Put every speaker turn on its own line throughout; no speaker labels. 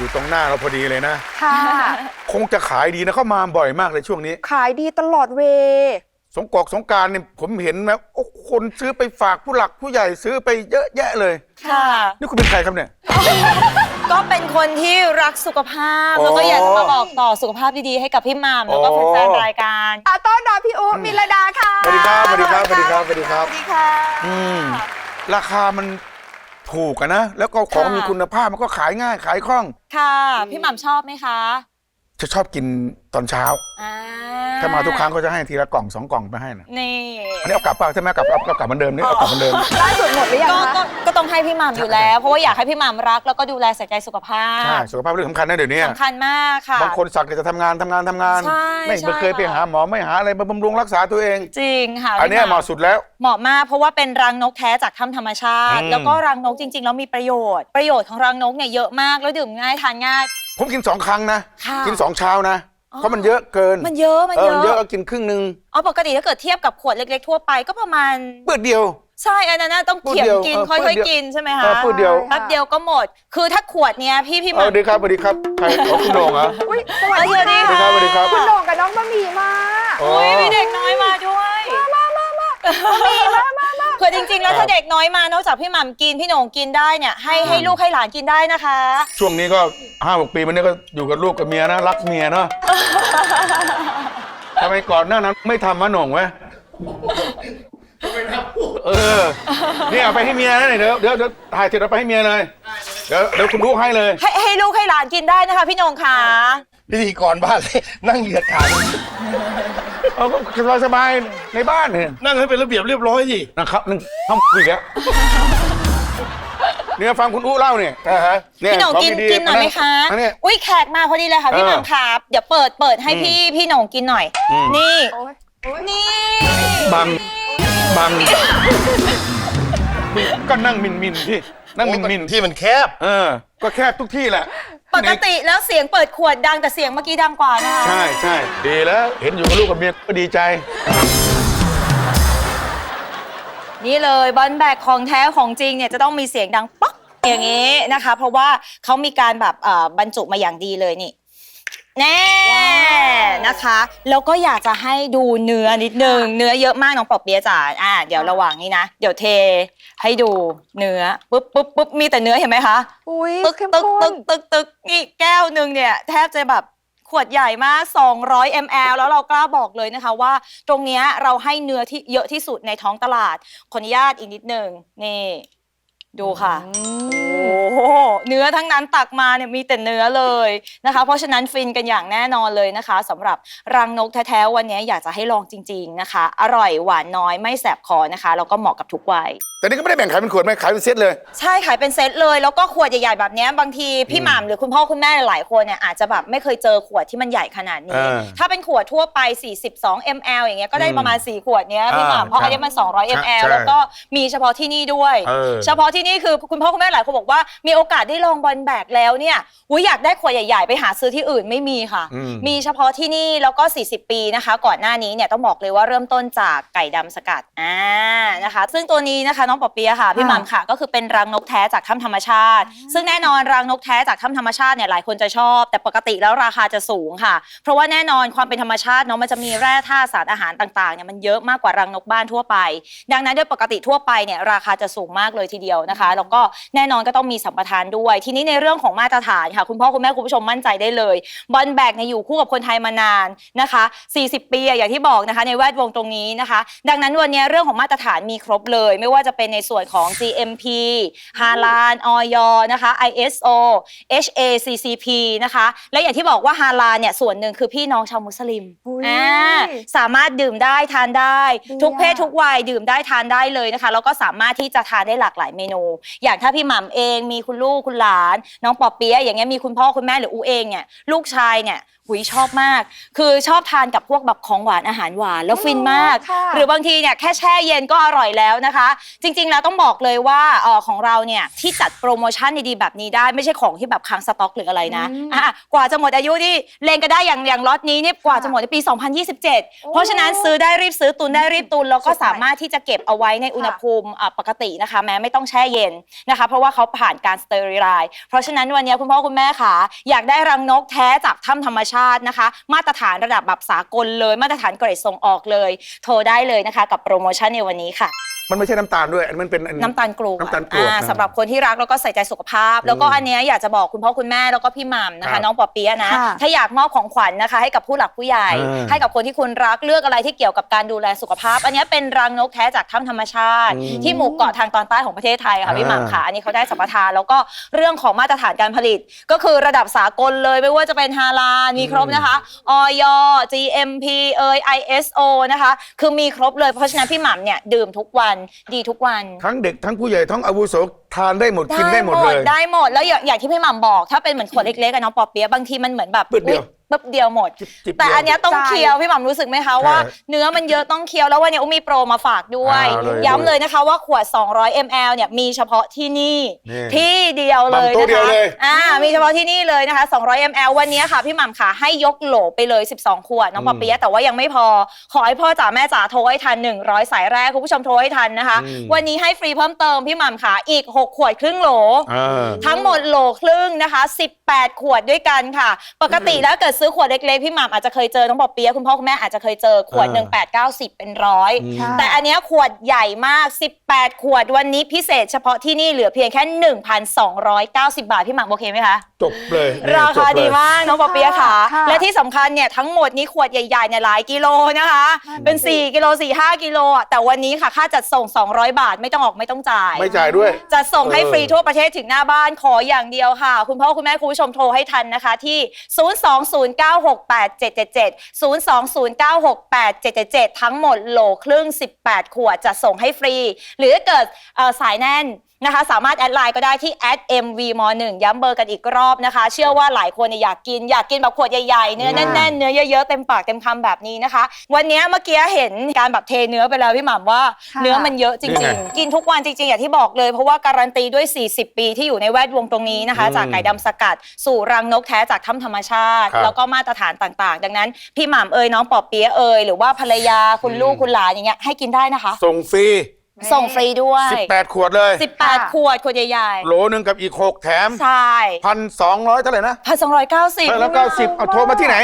อยู่ตรงหน้าเราพอดีเลยนะ
ค่ะ
คงจะขายดีนะเข้ามาบ่อยมากเลยช่วงนี้
ขายดีตลอดเว
สงกรานต์เนี่ยผมเห็นนะโอ้คนซื้อไปฝากผู้หลักผู้ใหญ่ซื้อไปเยอะแยะเลย
ค่ะ
นี่คุณเป็นใครครับเนี่ย
ก็เป็นคนที่รักสุขภาพแล้วก็อยากจะมาบอกต่อสุขภาพดีๆให้กับพี่หม่ำแล้วก็แฟนๆรายการ
ต้อนรับพี่อุ๊มิลดาค่ะ
สวัสดีครับสวัสดีครับสวัสดีครับสวัสดีครับ
สวัสดีค่ะ
ราคามันถูกนะแล้วก็ของมีคุณภาพมันก็ขายง่ายขายคล่อง
ค่ะพี่หม่ำชอบไหมคะ
จะชอบกินตอนเช้าถ้ามาทุกครั้งก็จะให้ทีละกล่อง2 กล่องไปให้นะ
นี่
อันนี้เอากลับเปล่าใช่ไหมกลับเหมือนเดิมนี่เอากลับเหมือนเดิม
ล่าสุดหมดหรือยังคะ
ก็ต้องให้พี่หม่ำอยู่แล้วเพราะว่าอยากให้พี่หม่ำรักแล้วก็ดูแลใส่ใจสุขภาพ
ใช่สุขภาพเรื่องสำคัญนะเดี๋ยวนี้
สำคัญมากค่ะ
บางคนสักจะทำงานไม่เคยไปหาหมอไม่หาอะไรมาบำรุงรักษาตัวเอง
จริงค่ะ
อันนี้เหมาะสุดแล้ว
เหมาะมากเพราะว่าเป็นรังนกแท้จากถ้ำธรรมชาติแล้วก็รังนกจริงๆแล้วมีประโยชน์ของรังนกเนี่ยเยอะมากแล้วดื่มง่ายทานง่าย
ผมกิน2 ครั้งนะกิน2 เช้านะเพราะมันเยอะเกิน
มันเยอะ
ก็กินครึ่งนึง
ปกติถ้าเกิดเทียบกับขวดเล็กๆทั่วไปก็ประมาณ
เปิดเดียว
ใช่อันนั้นต้องเขี่ยกินค่อยๆกินใช่ไหมคะ
เปิดเดียว
แป๊บเดียวก็หมดคือถ้าขวดเนี้ยพี่หม่ำ
สวัสดีครับใครคุณโหน่งเหรอ
อุ้ยสวัสดีค่ะ
สวัสดีครับ
คุณโหน่งกับน้องบะหมี่มา
อุ้ยมีเด็กน้อยมาด้วย
มา
คือจริงๆแล้วถ้าเด็กน้อยมานอกจากพี่หม่ำกินพี่โหน่งกินได้เนี่ยให้ลูกให้หลานกินได้นะคะ
ช่วงนี้ก็5-6 ปีมันนี้ก็อยู่กับลูกกับเมียนะรักเมียเนาะทำไมก่อนหน้านั้นไม่ทำมะโหน่งไว้นี่เอาไปให้เมียนะเดี๋ยวถ่ายเสร็จเอาไปให้เมียเลยเดี๋ยวคุณลูกให้เลย
ให้ลูกให้หลานกินได้นะคะพี่โหน่งค่ะ
พิธีกรบ้านเลยนั่งเหยียดขา
ก็สบายในบ้านเนี่ย
นั่งให้เป็นระเบียบเรียบร้อยสิ
นะครับนึงทำอีกแล้วเนี่ยฟังคุณอู้เล่าเนี่ย
พี่โหน่งกินหน่อยไหมคะอุ้ยแขกมาพอดีเลยค่ะพี่หม่ำครับเดี๋ยวเปิดให้พี่โหน่งกินหน่อยนี่
บังก็นั่งมินที่นั่งมิน
ที่มันแคบ
ก็แคบทุกที่แหละ
ปกติแล้วเสียงเปิดขวดดังแต่เสียงเมื่อกี้ดังกว่านะคะ
ใช่ดีแล้วเห็นอยู่กับลูกกับเมียก็ดีใจ
นี่เลยบอลแบกของแท้ของจริงเนี่ยจะต้องมีเสียงดังป๊อกอย่างนี้นะคะเพราะว่าเขามีการแบบบรรจุมาอย่างดีเลยนี่แน่นะคะแล้วก็อยากจะให้ดูเนื้อนิดนึงเนื้อเยอะมากน้องปอเปี๊ยะจ๋าเดี๋ยวระหว่างนี้นะเดี๋ยวเทให้ดูเนื้อปุ๊บมีแต่เนื้อเห็นไหมคะตึกนี่แก้วนึงเนี่ยแทบจะแบบขวดใหญ่มาก200 ml แล้วเรากล้าบอกเลยนะคะว่าตรงเนี้ยเราให้เนื้อที่เยอะที่สุดในท้องตลาดขออนุญาตอีกนิดนึงนี่ดูค่ะโอ้เนื้อทั้งนั้นตักมาเนี่ยมีแต่เนื้อเลยนะคะเพราะฉะนั้นฟินกันอย่างแน่นอนเลยนะคะสำหรับรังนกแท้ๆวันนี้อยากจะให้ลองจริงๆนะคะอร่อยหวานน้อยไม่แสบคอนะคะแล้วก็เหมาะกับทุกวัย
แต่นี่ก็ไม่ได้แบ่งขายเป็นขวดไม่ขายเป็นเซตเลย
ใช่ขายเป็นเซตเลยแล้วก็ขวดใหญ่ๆแบบนี้บางทีพี่หม่ำหรือคุณพ่อคุณแม่หลายคนเนี่ยอาจจะแบบไม่เคยเจอขวดที่มันใหญ่ขนาดนี้ถ้าเป็นขวดทั่วไป42 ml อย่างเงี้ยก็ได้ประมาณ4 ขวดเนี้ยพี่หม่ำเพราะอันนี้มัน200 ml แล้วก็มีเฉพาะที่นี่ด้วยเฉพาะที่นี่คือคุณพ่อคุณแม่หลายคนบอกว่ามีโอกาสได้ลองบอลแบกแล้วเนี่ยอยากได้ขวดใหญ่ๆไปหาซื้อที่อื่นไม่มีค่ะมีเฉพาะที่นี่แล้วก็40 ปีนะคะก่อนหน้านี้เนี่ยต้องบอกเลยว่าเริ่มต้นจากไก่ดำสกัดนะคะซึ่งตัวนี้นะคะน้องปอเปี๊ยะค่ะพี่หม่ำค่ะก็คือเป็นรังนกแท้จากถ้ำธรรมชาติซึ่งแน่นอนรังนกแท้จากถ้ำธรรมชาติเนี่ยหลายคนจะชอบแต่ปกติแล้วราคาจะสูงค่ะเพราะว่าแน่นอนความเป็นธรรมชาติเนาะมันจะมีแร่ธาตุสารอาหารต่างๆเนี่ยมันเยอะมากกว่ารังนกบ้านทั่วไปดังนั้นโดยปกติทั่วไปเนี่ยราคาจะสูงมากเลยทีเดียวนะคะแล้วก็แน่นอนก็ต้องมีสัมปทานด้วยทีนี้ในเรื่องของมาตรฐานค่ะคุณพ่อคุณแม่คุณผู้ชมมั่นใจได้เลยบอลแบกเนี่ยอยู่คู่กับคนไทยมานานนะคะ40 ปีอย่างที่บอกนะคะในแวดวงตรงนี้นะคะดังนั้นวันนี้เรื่องของมาตรฐานมีครบเลยไม่ว่าจะเป็นในส่วนของ GMP ฮาลาลอย.นะคะ ISO HACCP นะคะและอย่างที่บอกว่าฮาลาลเนี่ยส่วนหนึ่งคือพี่น้องชาวมุสลิมสามารถดื่มได้ทานได้ทุกเพศทุกวัยดื่มได้ทานได้เลยนะคะแล้วก็สามารถที่จะทานได้หลากหลายเมนูอย่างถ้าพี่หม่ำเองมีคุณลูกคุณหลานน้องปอเปี๊ยะอย่างเงี้ยมีคุณพ่อคุณแม่หรืออูเองเนี่ยลูกชายเนี่ยชอบมากคือชอบทานกับพวกแบบของหวานอาหารหวานแล้วฟินมากหรือบางทีเนี่ยแค่แช่เย็นก็อร่อยแล้วนะคะจริงๆแล้วต้องบอกเลยว่าของเราเนี่ยที่จัดโปรโมชั่นดีๆแบบนี้ได้ไม่ใช่ของที่แบบค้างสต็อกหรืออะไรนะกว่าจะหมดอายุนี่เลงก็ได้อย่างล็อตนี้เนี่ยกว่าจะหมดในปี2027เพราะฉะนั้นซื้อได้รีบซื้อตุนได้รีบตุนแล้วก็สามารถที่จะเก็บเอาไว้ในอุณหภูมิปกตินะคะแม้ไม่ต้องแช่เย็นนะคะเพราะว่าเขาผ่านการสเตอริไลซ์เพราะฉะนั้นวันนี้คุณพ่อคุณแม่ค่ะอยากได้รังนกแท้จากถ้ำธรรมชาตินะคะมาตรฐานระดับแบบสากลเลยมาตรฐานเกรดส่งออกเลยโทรได้เลยนะคะกับโปรโมชั่นในวันนี้ค่ะ
มันไม่ใช่น้ำตาลด้วยมันเป็น
น้ำตาลกรวด
น้ำตาลกรวด
สำหรับคนที่รักแล้วก็ใส่ใจสุขภาพ แล้วก็อันเนี้ยอยากจะบอกคุณพ่อคุณแม่แล้วก็พี่หม่ำนะ
ครั
คะ
บ
น้องปอเปี๊ยะนะ
ค่ะ
ถ้าอยากมอบของขวัญนะคะให้กับผู้หลักผู้ใหญ่ ให้กับคนที่คุณรักเลือกอะไรที่เกี่ยวกับการดูแลสุขภาพ อันเนี้ยเป็นรังนกแท้จากถ้ำธรรมชาติ ที่หมู่เกาะทางตอนใต้ของประเทศไทยค่ะพี่หม่ำค่ะอันนี้เขาได้สัมปทานแล้วก็เรื่องของมาตรฐานการผลิต ก็คือระดับสากลเลยไม่ว่าจะเป็นฮาลาลมีครบนะคะอย GMP ISO นะคะคือมีครบเลยเพราะฉะนั้นพี่หม่ำเนี่ยดื่มทุกวันดีทุกวัน
ทั้งเด็กทั้งผู้ใหญ่ทั้งอาวุโสทานได้หมดกินได้หมดเลย
ได้หมดแล้วอย่างที่พี่หม่ำบอกถ้าเป็นเหมือนขวดเล็กๆอะน้องปอเปี๊ยะบางทีมันเหมือนแบบ
ปึ๊ดเดียว
ปึ๊บเดียวหมด
จิบๆ
แต่อันเนี้ยต้อง
ใช่
เคี้ยวพี่หม่ำรู้สึกไหมคะว่า
ใช่
เนื้อมันเยอะต้องเคี้ยวแล้ววันนี้อุ้มมีโปรมาฝากด้วย
เลย
ย้ำเลยนะคะว่าขวด200 ml เนี่ยมีเฉพาะที่นี่
นี่
ที่เดียวเลย
หม่ำโต๊ะ
นะ
เดียว
คะ
เลย
มีเฉพาะที่นี่เลยนะคะ200 ml วันนี้ค่ะพี่หม่ำค่ะให้ยกโหลไปเลย12ขวดน้องปอเปี๊ยะแต่ว่ายังไม่พอขอให้พ่อจ๋าแม่จ๋าโทรให้ทัน100สายแรกคุณผู้ชมโทรให้ทันนะคะ วันนี้ให้ฟรีเพิ่มเติมพี่หม่ำค่ะอีก6ขวดครึ่งโหล ทั้งหมดโหลครึ่งนะคะ18ขวดด้วยกันค่ะปกติแล้วเกิดซื้อขวดเล็กๆพี่หม่ำอาจจะเคยเจอน้องปอเปี๊ยะคุณพ่อคุณแม่อาจจะเคยเจอขวดหนึ่ง8 9 10เป็นร้อยแต่อันเนี้ยขวดใหญ่มาก18ขวดวันนี้พิเศษเฉพาะที่นี่เหลือเพียงแค่ 1,290 บาทพี่หม่ำโอเคไหมคะ
จบเลยนี่
ราคา
จบเลย
ดีมากน้องปอเปี๊ยะค่ะ
ค่ะ
และที่สำคัญเนี่ยทั้งหมดนี้ขวดใหญ่ๆเนี่ยหลายกิโลนะคะเป็น4กิโล4-5 กิโลอ่ะแต่วันนี้ค่ะค่าจัดส่ง200 บาทไม่ต้องออกไม่ต้องจ่าย
ไม่จ่ายด้วย
จะส่งให้ฟรีทั่วประเทศถึงหน้าบ้านขออย่างเดียวค่ะ คุณพ่อคุณแม่คุณผู้ชมโทรให้ทันนะคะที่ 020968777 020968777 ทั้งหมดโหลครึ่ง18ขวดจะส่งให้ฟรี หรือถ้าเกิดสายแน่นนะคะสามารถแอดไลน์ก็ได้ที่ @mvm1 ย้ำเบอร์กันอีกรอบนะคะ เชื่อว่าหลายคนเนี่ยอยากกินแบบขวดใหญ่ๆเนื้อแน่นๆเนื้อเยอะๆเต็มปากเต็มคำแบบนี้นะคะ วันนี้เมื่อกี้เห็นการแบบเทเนื้อไปแล้วพี่หม่ำว่า
ค่ะ
เนื้อมันเยอะจ
นี่
ริง
ไง
ๆ กินทุกวันจริงๆอย่างที่บอกเลยเพราะว่าการันตีด้วย 40 ปีที่อยู่ในแวดวงตรงนี้นะคะ จากไก่ดำสกัดสู่รังนกแท้จากถ้ำธรรมชาติ
ครับ
แล้วก็มาตรฐานต่างๆ ดังนั้นพี่หม่ำเอ่ยน้องปอเปี๊ยะเอ่ยหรือว่าภรรยาคุณลูกคุณหลานอย่างเงี้ยให้กินได้นะคะ
ส่งฟรี
ส่งฟรีด้วย
18ขวดเลย
18ขวดใหญ่
โหลนึงกับอีก6แถม
ๆใช่
1,200เท่าไหร่นะ
1,290
แล้วก็10เอาโทรมาที่ไหน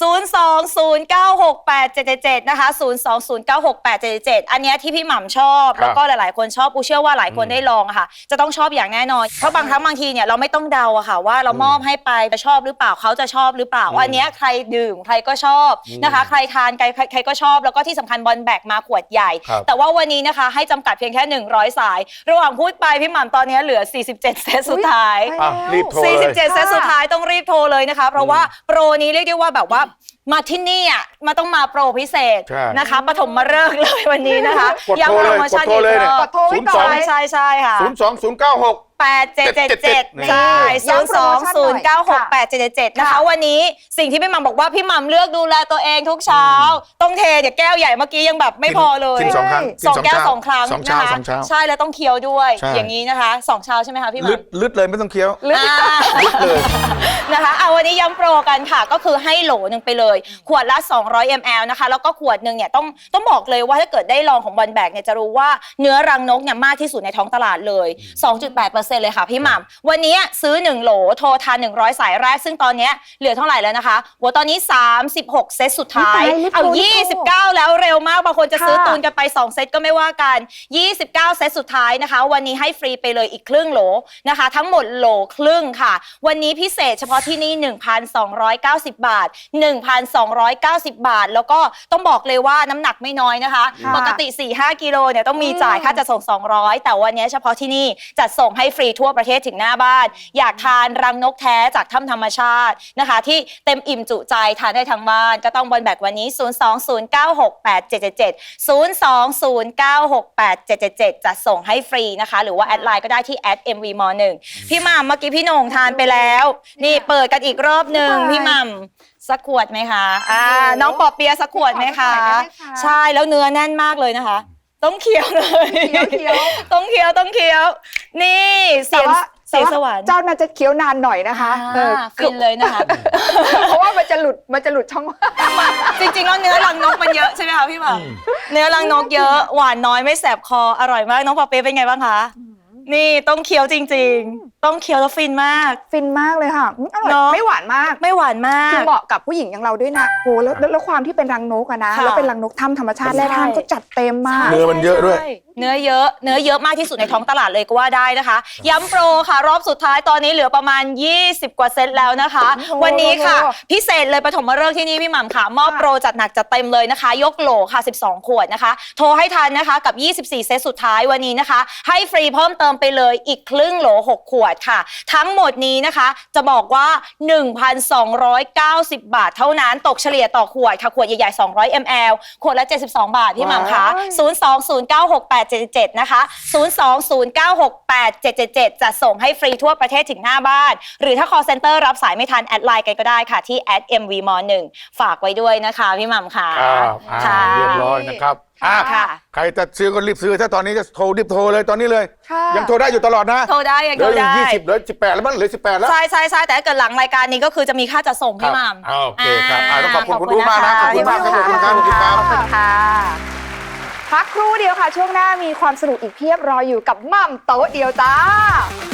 020968777 นะคะ 020968777 อันเนี้ยที่พี่หม่ำชอบ
ครับ
แล้วก็หลายๆคนชอบปูเชื่อว่าหลายคนได้ลองอะค่ะ จะต้องชอบอย่างแน่นอน เพราะบางครั้งบางทีเนี่ยเราไม่ต้องเดาอะค่ะว่าเรามอบให้ไปจะชอบหรือเปล่าเขาจะชอบหรือเปล่าอันเนี้ยใครดื่มใครก็ชอบนะคะ ใครทานใครก็ชอบแล้วก็ที่สำคัญบอลแบกมาขวดใหญ่
ครับ
แต่ว่าวันนี้นะคะให้จำกัดเพียงแค่100สาย ระหว่างพูดไปพี่หม่ำตอนนี้เหลือ47เซตสุดท้าย
อ่ะรีบโทรเลย
47เซตสุดท้ายต้องรีบโทรเลยนะคะ เพราะว่าโปรนี้เรียกได้ว่าแบบว่ามาที่นี่อ่ะมาต้องมาโปรพิเศษ
ใช่
นะคะปฐมฤกษ์เลยวันนี้นะคะ
กดโทร
ย้ำโป
เล
ร
ย
โมชั่น
กดโทรเลย
อีกรอบ
กดโทรไว้ก่อน
ใช่ค่ะ
02096
8777 ใช่
ย้ำโปรโมชั่นหน่อย
020968777 นะคะ วันนี้สิ่งที่พี่หม่ำบอกว่าพี่หม่ำเลือกดูแลตัวเองทุกเช้า ต้องเทเดี๋ยวแก้วใหญ่เมื่อกี้ยังแบบไม่พอเลย
กิน2 ครั้ง
สองแก้ว2 ครั้ง
สองเช้า
นะคะ
สองเช้า
ใช่แล้วต้องเคี้ยวด้วย
ใช่
อย่างนี้นะคะ2เช้าใช่ไหมคะพี่ห
ลึด
ม่ำ
ลึดเลยไม่ต้องเคี้ยว
อ่า
ลึดเลย
นะคะเอาวันนี้ย้ำโปรกันค่ะก็คือให้โหลหนึ่งไปเลย ขวดละ200 ml นะคะแล้วก็ขวดหนึ่งเนี่ยต้องบอกเลยว่าถ้าเกิดได้ลองของบอลแบกเนี่ยจะรู้ว่าเนื้อรังนกเนี่ยมากที่สุดในท้องตลาดเลย 2.8% เลยค่ะพี่หม่ำวันนี้ซื้อ1โหลโทรทาน100สายแรกซึ่งตอนเนี้ยเหลือเท่าไหร่แล้วนะคะหัวตอนนี้36เซตสุดท้าย
รีบโทร
เอา
รีบโทร
29แล้วเร็วมากบางคนจะซื้อ
ค่ะ
ตูนกันไป2เซตก็ไม่ว่ากัน29เซตสุดท้ายนะคะวันนี้ให้ฟรีไปเลยอีกครึ่งโหลนะคะทั้งหมดโหลครึ่งค่ะวันนี้พิเศษเฉพาะที่นี่ 1,290 บาท 1,290 บาท แล้วก็ต้องบอกเลยว่าน้ำหนักไม่น้อยนะคะ
ค่ะ
ปกติ 4-5 กิโลเนี่ยต้องมีจ่ายค่าจัดส่ง200แต่วันนี้เฉพาะที่นี่จัดส่งให้ฟรีทั่วประเทศถึงหน้าบ้านอยากทานรังนกแท้จากถ้ำธรรมชาตินะคะที่เต็มอิ่มจุใจทานได้ทั้งบ้านก็ต้องบอลแบกวันนี้ 020968777 020968777 จะส่งให้ฟรีนะคะหรือว่าแอดไลน์ก็ได้ที่ @mvm1 พี่หม่ำเมื่อกี้พี่โหน่งทานไปแล้ว นี่เปิดกันอีกรอบหนึ่งพี่หม่ำสักขวดไหมคะน้องปอเปียะสักขวดไหมคะ
ขอสักขวดได้ไหมคะ
ใช่แล้วเนื้อแน่นมากเลยนะคะ ต้องเคี้ยวเลย
เคี้ยว
ต้องเคี้ยว นี่เสียง
แต่ว่า
สวรรค์
เจ้าน่าจะเคี้ยวนานหน่อยนะคะ
ฟินเลยนะคะ
เพราะว่ามันจะหลุดช่อง
จริงๆแล้วเนื้อรังนกมันเยอะใช่ไหมคะพี่หม่ำเนื้อรังนกเยอะหวานน้อยไม่แสบคออร่อยมากน้องปอเปี๊ยะเป็นไงบ้างคะนี่ต้องเคี้ยวจริงๆ ต้องเคี้ยวแล้วฟินมาก
ฟินมากเลยค่ะอร่อย
เนอะ
ไม่หวานมาก
ไม่หวานมาก
คือเหมาะกับผู้หญิงอย่างเราด้วยนะโหแล้วความที่เป็นรังนกอะนะ
ค่ะ
แล้วเป็นรังนกถ้ำธรรมชาติแร่ธาตุก็จัดเต็มมาก
เนื้อมันเยอะด้วย
ใช่เนื้อเยอะมากที่สุดในท้องตลาดเลยก็ว่าได้นะคะ ย้ำโปรค่ะ รอบสุดท้ายตอนนี้เหลือประมาณ 20 กว่าเซตแล้วนะคะ
โอ้โห
วันนี้ค่ะ
โอ้โห
พิเศษเลยปฐมฤกษ์ที่นี่พี่หม่ำค่ะ มอบโปรจัดหนักจัดเต็มเลยนะคะ ยกโหลค่ะ 12 ขวดนะคะ โทรให้ทันนะคะกับ 24 เซตสุดท้ายวันนี้นะคะ ให้ฟรีเพิ่มเติมไปเลยอีกครึ่งโหล 6 ขวดค่ะ ทั้งหมดนี้นะคะจะบอกว่า 1,290 บาทเท่านั้นตกเฉลี่ยต่อขวดค่ะขวดใหญ่ๆ200 ml ขวดละ 72 บาทพี่หม่ำคะ 020968777 นะคะ 020968777 จะส่งให้ฟรีทั่วประเทศถึงหน้าบ้าน หรือถ้า call center รับสายไม่ทันแอดไลน์กันก็ได้ค่ะที่ @mvm1 ฝากไว้ด้วยนะคะพี่หม่ำค่ะ
ค่ะเรียบร้อยนะครับอ่ะ
ค่ะ
ใครจะซื้อก็รีบซื้อถ้าตอนนี้จะโทรรีบโทรเลยตอนนี้เลย
ค่ะ
ยังโทรได้อยู่ตลอดนะ
โทรได้ยัง
เหลื
โท
อ
ร
อยู่
ได้
20เหลือ18แล้วมั้งเหลือ18แล้ว
ใช่แต่ถ้าเกิดหลังรายการนี้ก็คือจะมีค่าจัดส่งพี่หม่ำ
โอเคครับต้องขอบคุณคุณอู๋มากนะขอบคุณมากครับขอบคุณครับขอบคุณครับ
ขอบคุณค่ะพักครู่เดียวค่ะ ช่วงหน้ามีความสนุกอีกเพียบรออยู่กับหม่ำโต๊ะเดียวจ้า